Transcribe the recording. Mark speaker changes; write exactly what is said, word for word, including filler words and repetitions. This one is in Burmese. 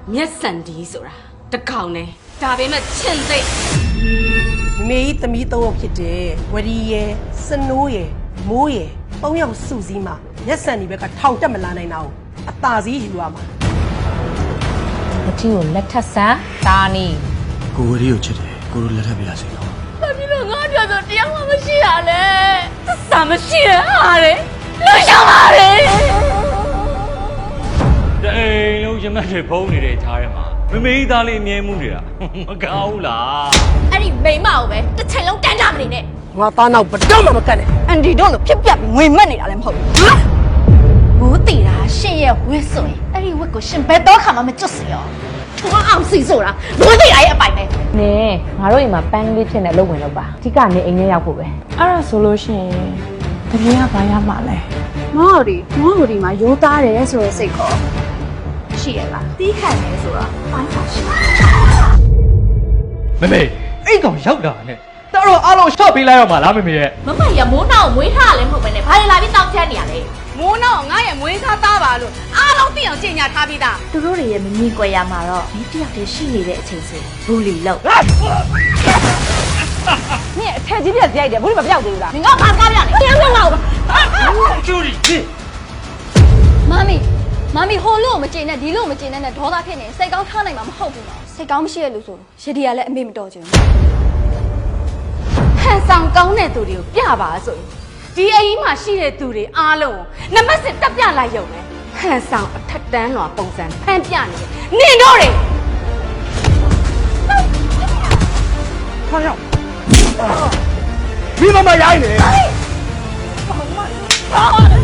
Speaker 1: မျက်စံဒီဆိုတာတကောင်နဲ့ဒါပေမဲ့ချင်သိ
Speaker 2: မေကြီးသမီးသုံးယောက်ဖြစ်တယ်ဝရီရယ်စနိုးရယ်မိုးရယ်သုံးယောက်စုစည်းမှာမျက်စံဒီဘက်ကထောင်တက်မလာနိုင်တာကိုအသာစီးယူရမှာ
Speaker 3: မထီကိုလက်ထပ်ဆန်းဒါနီ
Speaker 4: ကိုဝရီကိုချစ်တယ်ကိုတို့လက်ထပ်ပြရစီနော်
Speaker 1: ဘာဖြစ်လို့ငါပြောဆိုတရားမှမရှိရလဲသစ္စာမရှိရဟာလေလွတ်ရှောင်ပါလေ
Speaker 5: တအိမ်လုံးရမတ်တွေဖုံးနေတဲ့ခြားထဲမှာမမေးသားလေးအမြဲမှုနေတာမကောင်းဘူးလား
Speaker 1: အဲ့ဒီမိမကိုပဲတစ်ချိန်လုံးတန်းကြမနေနဲ့
Speaker 2: ငါသားနောက်ဘတော့မှမကတ်နဲ့
Speaker 1: အန်ဒီတို့လိုဖြစ်ပြငွေမက်နေတာလည်းမဟုတ်ဘူးဘူးတီတာရှင်ရဲ့ဝစ်ဆိုရင်အဲ့ဒီဝစ်ကိုရှင်ဘယ်တော့ခါမှမကျွတ်စီရောထွားအောင်စီဆိုတာဘူးတီတာရဲ့အပိုင်ပဲ
Speaker 3: နဲငါတို့အိမ်မှာပန်းကလေးဖြစ်နေလို့ဝင်တော့ပါအဓိကနေအိမ်ထဲရောက်ဖို့ပဲ
Speaker 6: အဲ့ဒါဆိုလို့ရှိရင်တကယ်ကဘာရမှာလဲ
Speaker 1: မော်ဒီမော်ဒီမှာရိုးသားတယ်ဆိုတဲ့စိတ်ကောရှိရလားတီးခတ်နေဆိုတာပိုင်းပါရှိ
Speaker 5: မမေအဲ့ကောင်ရောက်တာနဲ့တော်တော်အားလုံးရှော့ပေးလိုက်ရမှာလားမမေရဲ့
Speaker 1: မမရမိုးနောက်မွေးထားလည်းမဟုတ်ပဲနဲ့ဘာလဲလာပြီးတောက်ချမ်းနေရလဲမိုးနောက်ငါရဲ့မွေးထားသားပါလို့အားလုံးသိအောင်ကြင်ညာထားပြီးသားသူတို့တွေရဲ့မမြင်ကြွယ်ရမှာတော့ဒီတယောက်တည်းရှိနေတဲ့အချိန်ဆိုဘူလီလောက်နင်အထက်ကြီးပြက်ရိုက်တယ်ဘူလီမပြောက်သေးဘူးလားနင်ကဘာကားပြလဲတရားပြောပါဦး
Speaker 5: ကျူရီ
Speaker 1: မမီမမီဟိုလို့မကျင်နဲ့ဒီလို့မကျင်နဲ့ဒေါသဖြစ်နေစိတ်ကောင်းထားနိုင်မှာမဟုတ်ဘူးနော်စိတ်ကောင်းမရှိရလို့ဆိုရည်ဒီကလည်းအမေမတော်ချင်ဘူးဟန်ဆောင်ကောင်းတဲ့သူတွေကိုပြပါဆိုရင်ဒီအကြီးမှာရှိတဲ့သူတွေအားလုံးနမစစ်တက်ပြလိုက်ရုံနဲ့ဟန်ဆောင်အထက်တန်းလွာပုံစံဖန်ပြနေတယ်နင်တို့တွေ
Speaker 5: ခေါင်းရောက်မိမမရိုင်းနေ